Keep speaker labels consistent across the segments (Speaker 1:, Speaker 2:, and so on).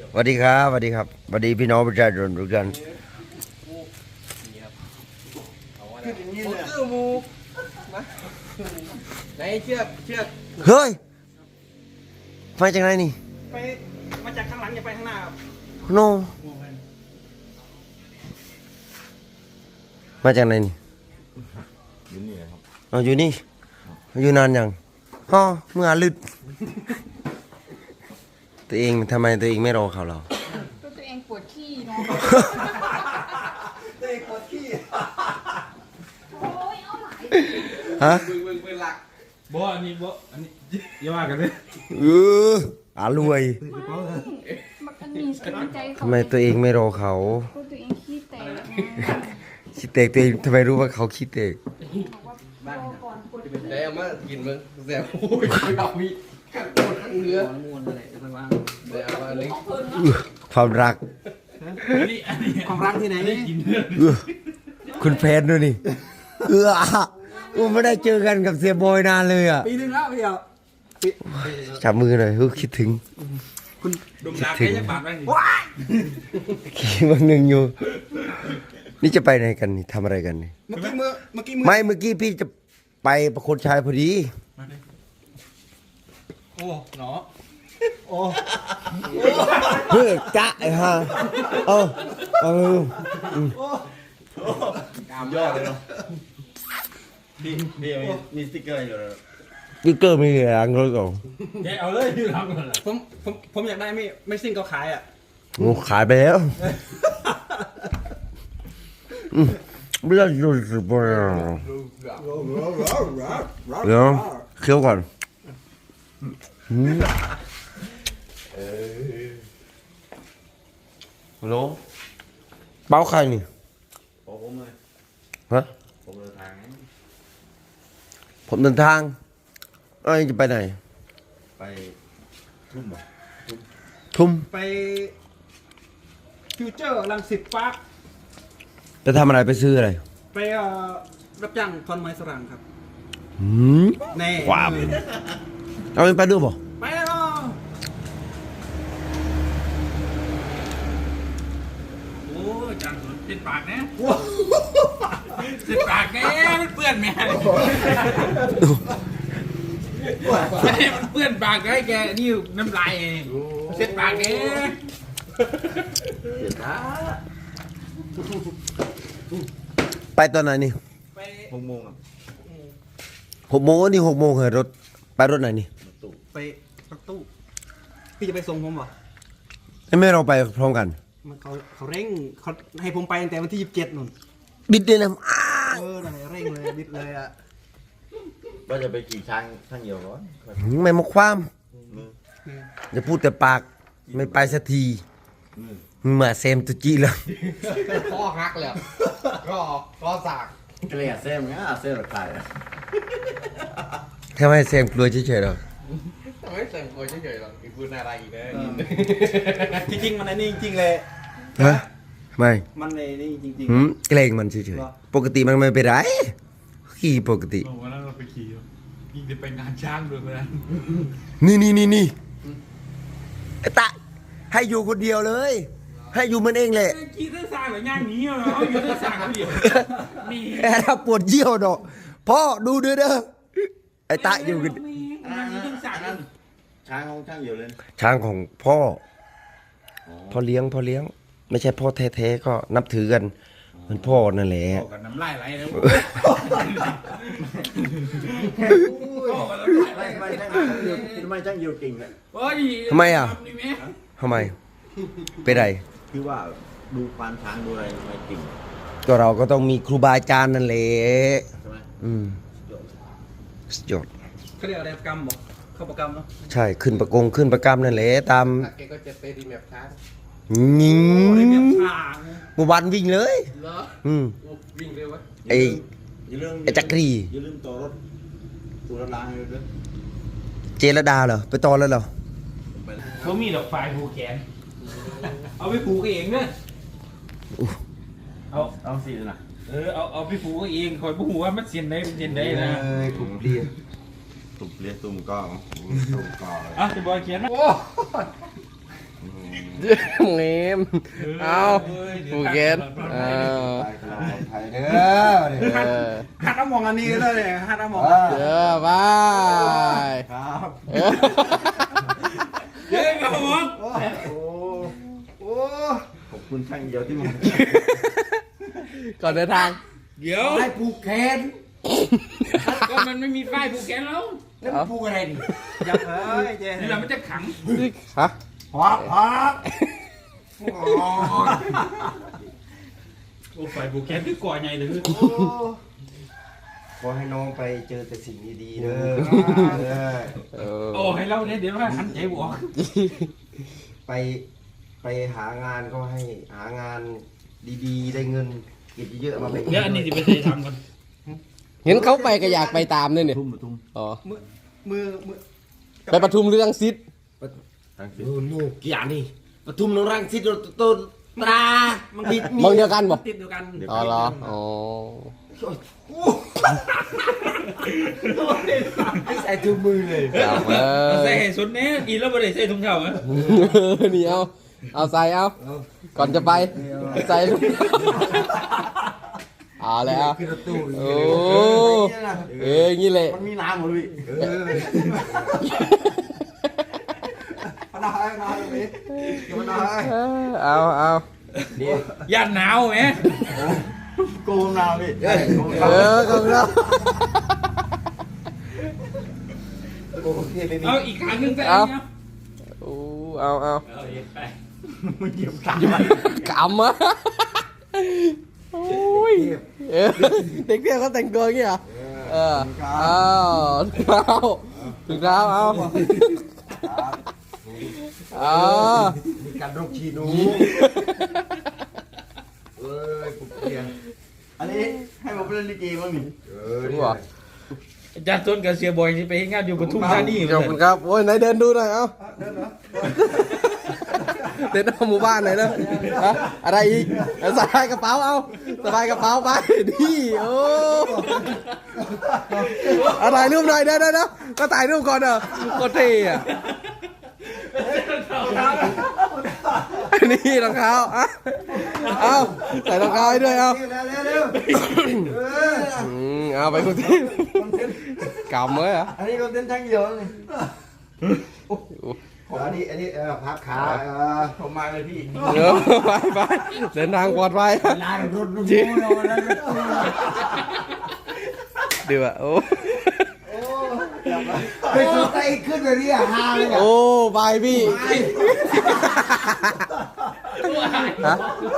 Speaker 1: สวัสดีครับสวัสดีครับสวัสดีพี่น้องประชาชนทุกท่าน
Speaker 2: คือมูมาไหนเชือก
Speaker 1: เฮ้ยมาจากไหนนี่
Speaker 2: ไปมาจากข้างหลังอย่าไปข้างหน้าครับ
Speaker 1: โนมาจากไหนนี่อยู่นี่ครับอยู่นี่อยู่นานยังเมื่อลึดตัวเองทำไมตัวเองไม่รอเขาเรา
Speaker 3: ตัวเองปวดขี้เนาะ
Speaker 2: ตัวเองปวดขี้
Speaker 3: โอ้ยเอาหลาย
Speaker 1: ฮะ
Speaker 2: เบิ่งหลัก
Speaker 4: อันนี้อย่าว่ากันเลย
Speaker 1: รวย
Speaker 3: มันมีกำลังใจเขา
Speaker 1: ทำไมตัวเองไม่รอเขา
Speaker 3: ตัวเองขี้แตก
Speaker 1: ขี้เตกตัวเองทำไมรู้ว่าเขาขี้เตก
Speaker 3: บอกว่ารอก่อนปวด
Speaker 2: แต่เอามากินมึงแซ่บโอ้ยเอามีข้างโคตรข้างเนื้อม้วนอะไรจะวางเดี๋ยวเอามาเลย
Speaker 1: ความรัก
Speaker 2: ความรักที่ไหน
Speaker 1: คุณแฟนด้วยนี่ไม่ได้เจอกันกับเสียบอยนานเลยอ่ะ
Speaker 2: ปีนึงแล้วพี่เอา
Speaker 1: จับมือหน่อยคิดถึง
Speaker 2: คุณ
Speaker 4: ดมดาแค่จะปากได้
Speaker 2: ว้าย
Speaker 1: คิดวันหนึ่งอยู่ นี่จะไปไหนกันนี่ทำอะไรกันนี่
Speaker 2: เมื่อกี้มือ
Speaker 1: ไม่เมื่อกี้พี่จะไปประโคนชัยพอดี
Speaker 4: โอ้เนาะ
Speaker 1: เฮ้ยจ๊ะไอ้ห่าเอา
Speaker 4: กามยอดเลยเนาะพี่มีสติ๊กเกอร์อยู่เลย
Speaker 1: นี่เกอร์มีหลังรถก่อน
Speaker 4: แกเอาเลยที่ทำกันละ
Speaker 2: ผมอยากได้ไม่ซิ่งก็ขายอ่ะ
Speaker 1: งูขายไปแล้วไม่ได้ดูสิบอยเดี๋ยวเคี้ยวก่อนฮัลโหลเป้าใครนี่
Speaker 4: ผมเลย
Speaker 1: ฮะ
Speaker 4: ผมเดินทาง
Speaker 1: ผมเดินทางจะไปไหน
Speaker 4: ไปทุ่มบ่
Speaker 1: ทุ่ม
Speaker 2: ไปฟิวเจอร์รังสิตปาร์ค
Speaker 1: จะทำอะไรไปซื้ออะไร
Speaker 2: ไปรับจ้างทอนไม้สรังครับ แน่
Speaker 1: ความเอาไปด้วยบ่
Speaker 2: ไปแล้ว
Speaker 4: โอ้จังเป็นปากนะเป็นปากแน่มันเปื้อนแม่มันเปื้อนปากไอ้แกนี่น้ำลายเส้นปากแน่
Speaker 1: ไปตอนไหนนี่
Speaker 2: ไป
Speaker 4: 6 โมงครับ
Speaker 1: 6 โมงนี่6 โมงเหรอรถไปรถไหนนี่
Speaker 2: ไปรถตู้พี่จะไปส่งผมเหรอ
Speaker 1: ไม่เราไปพร้อมกัน
Speaker 2: มันเขาเร่งเขาให้ผมไปตั้งแต่วันที่27นู่น
Speaker 1: บิดเลยนะ
Speaker 2: นั่นแหละเร่งเลยบิดเลยอ่ะ
Speaker 5: ว่าจะไปขี่ช้างทั้งเดียวก่อน
Speaker 1: ไม่มาความอย่าพูดแต่ปากไม่ไปสักทีมาเซมตุจีแล้ว
Speaker 2: ข้อหักเลยก็สาก
Speaker 5: เกลียดเส้นงั้นเส้นระคาย
Speaker 1: ทำไมเซมกลัวเฉยๆหรอ
Speaker 2: ทำไมเสียงโวยเฉยๆหรอกอีกพูดอะไรอีกเลยจริงๆมันในนี่จริงๆเลย
Speaker 1: ฮะไม่
Speaker 2: มันในนี่จริง
Speaker 1: เกรงมันเฉยๆปกติมันไม่เป็นไรขี่ปกติ
Speaker 4: วันนั้นเราไปขี่ยิงจะไปงานช้างด้วยกัน
Speaker 1: นี่ไอ้ตะให้อยู่คนเดียวเลย ให้อยู่มันเองแหละ
Speaker 4: ขี่เส้นสายแบบย่างนี้เหรอเอาอยู่เส้นสายคนเดียวมี
Speaker 1: แอบปวดเยี่ยวดอกพ่อดูเด้อไอ้ตะอยู่กัน
Speaker 4: มีเส้นสายนั่น
Speaker 5: ช้างของช่างเดียวเลย
Speaker 1: ช้างของพ่อเลี้ยง ไม่ใช่พ่อแท้ๆก็นับถือกันเหมือนพ่อนั่นแหละ
Speaker 4: พ่อกับน้ำลายไหลแล้ว
Speaker 5: ไม่ช่างเดียวเก่งเลย
Speaker 1: ทำไมเป็นไร
Speaker 5: คือว่าดูควานช้างดูอะไรไม่เก่ง
Speaker 1: ก็เราก็ต้องมีครูบาอาจารย์นั่นแหละ
Speaker 5: ใช่ไหม
Speaker 1: สุดยอด
Speaker 2: ๆเขาเรียกอะไรประกรรมบอกเข้าประกรรมเนาะ
Speaker 1: ใช่ขึ้นประกรรมนั่นแหละตาม
Speaker 2: แกก็จะไปรีแมปช้าง
Speaker 1: ยิง
Speaker 2: โอ้รีแมปช้าง
Speaker 1: เมื่อวานวิ่งเลย
Speaker 2: เหรอ วิ่งเร็ววะ
Speaker 1: ไอ้
Speaker 5: อย่าลืม
Speaker 1: ไอ้จักรี
Speaker 5: อย่าลืมตัวรถล้างให้ด้วย
Speaker 1: เจรดาเหรอไปตอนแล้วเหรอ
Speaker 4: เขามีดอกไฟผูกแขนเอาไปผูกเองเนอะ
Speaker 5: เอาสินะ
Speaker 4: เอาไปผูกเองคอยผูกว่ามันเสียนได้นะ
Speaker 1: ถุงเรีย
Speaker 5: ตุ่มเรียกตุ่มก้องตุ่มก้อง
Speaker 4: อ่ะจะบอยเขียนไหม
Speaker 2: โอ้เงี้ยเอาผูกแขนเอา
Speaker 1: ไทยเด้อ
Speaker 5: หัดน้ำมองอันนี้เลยเนี่ยหัดน้ำมอง
Speaker 2: เด้อไป
Speaker 5: ครับ
Speaker 4: เย้ครับผม
Speaker 5: โอ้ขอบคุณช่างเดียวที่มา
Speaker 2: ก่อนเดินทาง
Speaker 4: เดี๋ยว
Speaker 5: ให้ผูกแขน
Speaker 4: ก็มันไม่มีป้ายผูกแขนแล้ว
Speaker 5: แล้วมันผูกอะไรดิอยากเอ้ยเจ๊
Speaker 4: นี่เราไม่จะขัง
Speaker 2: ฮะ
Speaker 5: พับพับ
Speaker 4: โอ้ฝ่ายผูกแขนคือก่อใหญ่เลย
Speaker 1: ขอให้น้องไปเจอแต่สิ่งดีๆเด้อ
Speaker 4: โอ้ให้เราเนี่ยเดี๋ยวว่าหันใจบวก
Speaker 1: ไปหางานก็ให้หางานดีๆ ได้เงินเก็บเยอะๆมาแบ่ง
Speaker 4: เดี๋ยวอันนี้จะไปใส่ทำกัน
Speaker 2: เห็นเขาไปก็อยากไปตามเนี่ย
Speaker 5: ทุ่มทุ่ม
Speaker 2: อ๋อ
Speaker 5: มือ
Speaker 2: ไปปทุมเรื่องซิด
Speaker 1: ลูกกี่อย่างนี่ปทุมนรังสิตต้นตรามันติด
Speaker 2: มองเดียวกันบ่
Speaker 4: ติดเดียวกัน
Speaker 2: อ๋อเหรออ๋อ
Speaker 1: ใส่ถุงมือเลย
Speaker 2: จับเออ
Speaker 4: ใส่ให้สุดเนี้ยกินแล้วไม่ได้ใส่ถุงเท้าอ่ะ
Speaker 2: นี่เอาใส่เอาก่อนจะไปใส่ลูกเอาแล้ว
Speaker 1: ขึ้นรถตู้
Speaker 2: โอ้งี้เลย
Speaker 5: มันมีน้ำหมดพี่มันได้มันได้พี่มันได้
Speaker 2: เอา
Speaker 4: ย่านหนาวไหม
Speaker 5: โกงน้ำพี่
Speaker 2: ก็แล้ว
Speaker 1: โอเคไม่มี
Speaker 4: เอาอีกครั้งหนึงใส่
Speaker 2: เอา
Speaker 4: เนี่ย
Speaker 2: โอ้เอา
Speaker 4: เอาไป
Speaker 5: มันเหยียบขา
Speaker 2: กำอะโอ้ยเด็กเที่ยวเขาแต่งตัวอย่างเงี้ยเหรอเอาถึงเท้าเอา
Speaker 1: มีการรบชีนูเอ้ยปุ๊บเพียง
Speaker 5: อันนี้ให้ผมเป็นลิเกบ้างนี่
Speaker 2: นี่หรอ
Speaker 4: อาจารย์ต้นกับเสียบอยที่ไปเฮ็ดงานอยู่ปทุมธานี
Speaker 2: ขอบคุณครับโอ้ยไหนเดินดูหน่อยเอาเดินเอาหมู่บ้านไหนเนอะอะไรอีกสะพายกระเป๋าเอาสะพายกระเป๋าไปดิโอ้ถ่ายรูปหน่อยเด้อก็ถ่ายรูปก่อนเด้อก็เท่อะนี่รองเท้าเอาใส่รองเท้าให้ด้วยเอาเอาไปคุณที่กำเลยอ่ะ
Speaker 5: อันนี้ก็เต้นทั้งเดียวนี่
Speaker 1: อันนี้พับขา
Speaker 5: ผมมาเลยพี่
Speaker 2: เดี๋ยวไปเดินทางปลอดภัย
Speaker 5: ลายรถรุ่นโม่เราแล้ว
Speaker 2: ดีว่ะโอ้
Speaker 1: ไปสุดใจขึ้นไปนี่ฮาเลย
Speaker 2: โอ้ไปพี่ฮะ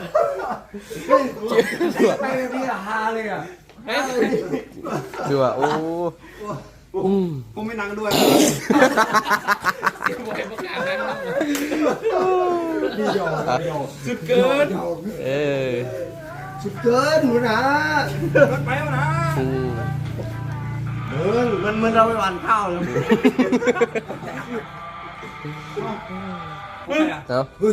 Speaker 5: ไปนี่ฮาเลยอ่ะ
Speaker 2: ดีว่ะโอ้
Speaker 5: ผมไม่นั่งด้วย
Speaker 4: เสียบอยประกาศนั้นสุดเกิน
Speaker 2: เออ
Speaker 1: สุดเกินหนูนะ
Speaker 5: รถไปแล้วนะมันเราไปหวานข้าวเลย
Speaker 2: เอา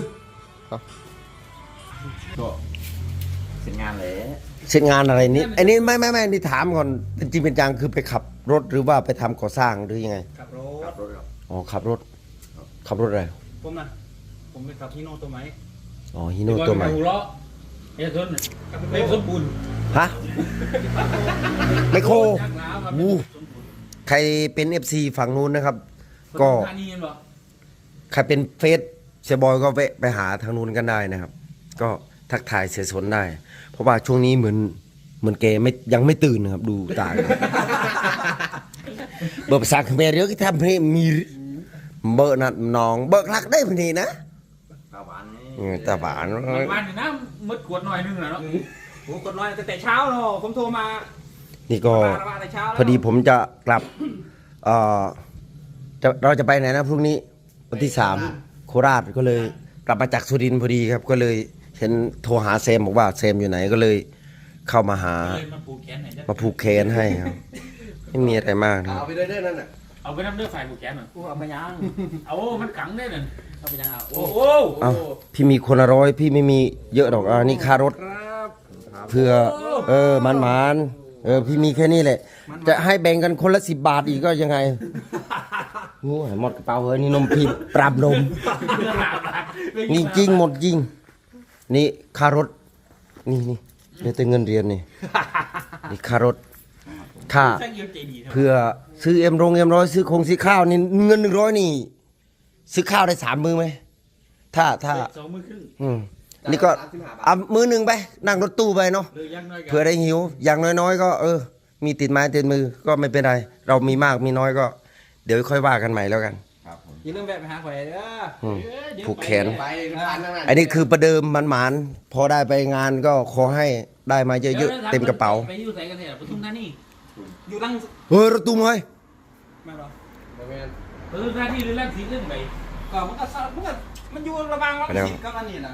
Speaker 5: ก็เสร็จงานเลย
Speaker 1: เสร็จงานอะไรนี่อันนี้ไม่นี่ถามก่อนเป็นจริงเป็นจังคือไปขับรถหรือว่าไปทำก่อสร้างหรือยังไง
Speaker 5: ขับรถครับ
Speaker 1: อ๋อขับรถอะไร
Speaker 4: ผมนะผมไปขับฮีโน่ตัวไหม
Speaker 1: อ๋อฮิโน่ตัวใหม่
Speaker 4: หูเลาะไอ้ต้นไม่สมบูรณ์
Speaker 1: ฮะไมโคร
Speaker 4: ชักล้ามา
Speaker 1: วูใครเป็น FC ฝั่งนู้นนะครับ ก็
Speaker 4: ธานีเหรอ
Speaker 1: ใครเป็นเฟซเสียบอยก็แวะไปหาทางนู้นกันได้นะครับ ก็ทักทายเสียสนได้ เพราะว่าช่วงนี้เหมือนแกยังไม่ตื่นนะครับ ดูตาเบิกภาษาเขมรเยอะที่ทำให้มีเบิกนัดน้องเบิกรักได้พอดีนะ
Speaker 5: ข้าวหวานนี่
Speaker 1: ตาหวาน
Speaker 4: วันนี่นะมืดขวดหน่อยนึงเหรอเนาะ
Speaker 2: โหกดน้อยแต่เช้าเนาะผมโทรมา
Speaker 1: นี่ก็
Speaker 2: แต่เช้า
Speaker 1: พอดีผมจะกลับเราจะไปไหนนะพรุ่งนี้วันที่3โคราชก็เลยกลับมาจากสุรินทร์พอดีครับ ก็เลยเห็นโทรหาแซมบอกว่าแซมอยู่ไหนก็เลยเข้ามาหา
Speaker 4: เลยมาผูกแขนหน่อยจ้ะ
Speaker 1: มาผูกแขนให้ครับไม่มีอะไรมากนะครับ
Speaker 5: เอาไปเรื่อยๆนั่นน่ะ
Speaker 4: เอาไปน้ำเลือดฝ่ายผูกแขนหน่อย
Speaker 2: เอาไปยัง
Speaker 4: เอามันขังได้เลย
Speaker 2: เอาไปยังอ่ะ
Speaker 4: โอ้โห
Speaker 1: เอาพี่มีคนละร้อยพี่ไม่มีเยอะหรอกนี่ค่ารถเพื่อมันพี่มีแค่นี้แหละ จะให้แบ่งกันคนละ10 บาทอีกก็ยังไงโอ้ยหมดกระเป๋าเฮ้ยนี่นมพีปรับนมนี่จริงหมดจริงนี่ค่ารถนี่เดี๋ยวแต่เงินเรียนนี่ค่ารถค่า
Speaker 4: ช่างเยี่ยมใจดี
Speaker 1: เพื่อซื้อเอ็มร้อยซื้อซื้อข้าวนี่เงิน100นี่ซื้อข้าวได้3 มื้อไหมถ้า
Speaker 4: 2 มื้อครึ่ง
Speaker 1: นี่ก็เอามื้อหนึ่งไปนั่งรถตู้ไปเนาะ
Speaker 4: หรือยังน้อยกั
Speaker 1: เผื่อได้หิว อย่างน้อยๆก็มีติดไม้ติดมือก็ไม่เป็นไร เรามีมากมีน้อยก็ เดี๋ยวค่อยว่ากันใหม่แล้วกัน
Speaker 2: อย่าลืมแวะไปหาข่อยเด้อ
Speaker 1: ผูกแขน
Speaker 2: ไปร้านนั่นน่ะ
Speaker 1: อันนี้คือประเดิมหมานๆพอได้ไปงานก็ขอให้ได้มาเยอะๆเต็มกระเป๋า
Speaker 4: ไปอยู่ใส่กันเถอะปทุมธานีอยู่ลัง
Speaker 1: เฮ้ยรถตุ้มเฮ้ย
Speaker 4: ไม่หรอ
Speaker 2: บ่แม่น
Speaker 4: ปทุมธานีหรือลังสีขึ้นไป
Speaker 2: ก็มันอยู่ระหว่างรังสิตกับอันนี้น่ะ